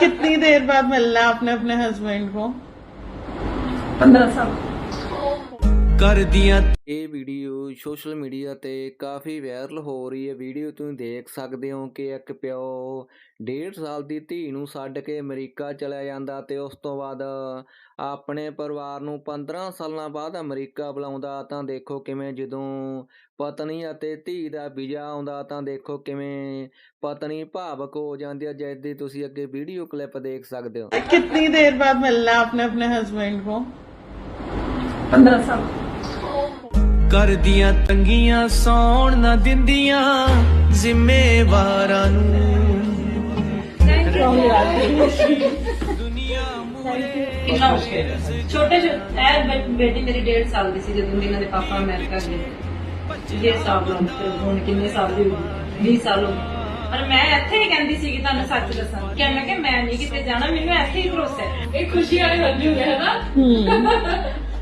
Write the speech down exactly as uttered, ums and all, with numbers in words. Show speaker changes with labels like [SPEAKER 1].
[SPEAKER 1] कितनी देर बाद मिलना है आपने अपने हस्बैंड को?
[SPEAKER 2] पंद्रह साल
[SPEAKER 3] कर दिया।
[SPEAKER 4] ਇਹ ਵੀਡੀਓ ਸੋਸ਼ਲ ਮੀਡੀਆ ਤੇ ਕਾਫੀ ਵਾਇਰਲ ਹੋ ਰਹੀ ਹੈ। ਵੀਡੀਓ ਤੁਸੀਂ ਦੇਖ ਸਕਦੇ ਹੋ ਕਿ ਇੱਕ ਪਿਓ ਡੇਢ ਸਾਲ ਦੀ ਧੀ ਨੂੰ ਛੱਡ ਕੇ ਅਮਰੀਕਾ ਚਲਿਆ ਜਾਂਦਾ ਤੇ ਉਸ ਤੋਂ ਬਾਅਦ ਆਪਣੇ ਪਰਿਵਾਰ ਨੂੰ ਪੰਦਰਾਂ ਸਾਲਾਂ ਬਾਅਦ ਅਮਰੀਕਾ ਬੁਲਾਉਂਦਾ। ਤਾਂ ਦੇਖੋ ਕਿਵੇਂ ਜਦੋਂ ਪਤਨੀ ਅਤੇ ਧੀ ਦਾ ਵੀਜ਼ਾ ਆਉਂਦਾ ਤਾਂ ਦੇਖੋ ਕਿਵੇਂ ਪਤਨੀ ਭਾਵਕ ਹੋ ਜਾਂਦੀ ਹੈ, ਜਿਸ ਦੀ ਤੁਸੀਂ ਅੱਗੇ ਵੀਡੀਓ ਕਲਿੱਪ ਦੇਖ ਸਕਦੇ ਹੋ।
[SPEAKER 1] कितनी देर बाद मिलना है आपने अपने हस्बैंड को?
[SPEAKER 2] पंद्रह साल
[SPEAKER 3] कर दिया तंगियां सौण ना दिंदियां जिम्मेवारां नूं दुनिया मूरे।
[SPEAKER 2] कितना मुश्किल है। छोटे ए बेटी मेरी डेढ़ साल की सी जदों इन्हां दे पापा अमेरिका गए। डेढ़ साल हो हुण किन्ने साल दी होगी? बीस साल हो गए। पर मैं ਇੱਥੇ ਹੀ ਕਹਿੰਦੀ ਸੀ ਕਿ ਤੁਹਾਨੂੰ ਸੱਚ ਦੱਸਾਂ ਕਿ ਮੈਂ ਕਿ ਮੈਂ ਨਹੀਂ ਕਿਤੇ ਜਾਣਾ, ਮੈਨੂੰ ਇੱਥੇ ਹੀ ਭਰੋਸਾ ਹੈ। ਇਹ ਖੁਸ਼ੀ ਵਾਲੀ ਗੱਲ ਹੋ ਗਿਆ ਹੈ ਨਾ।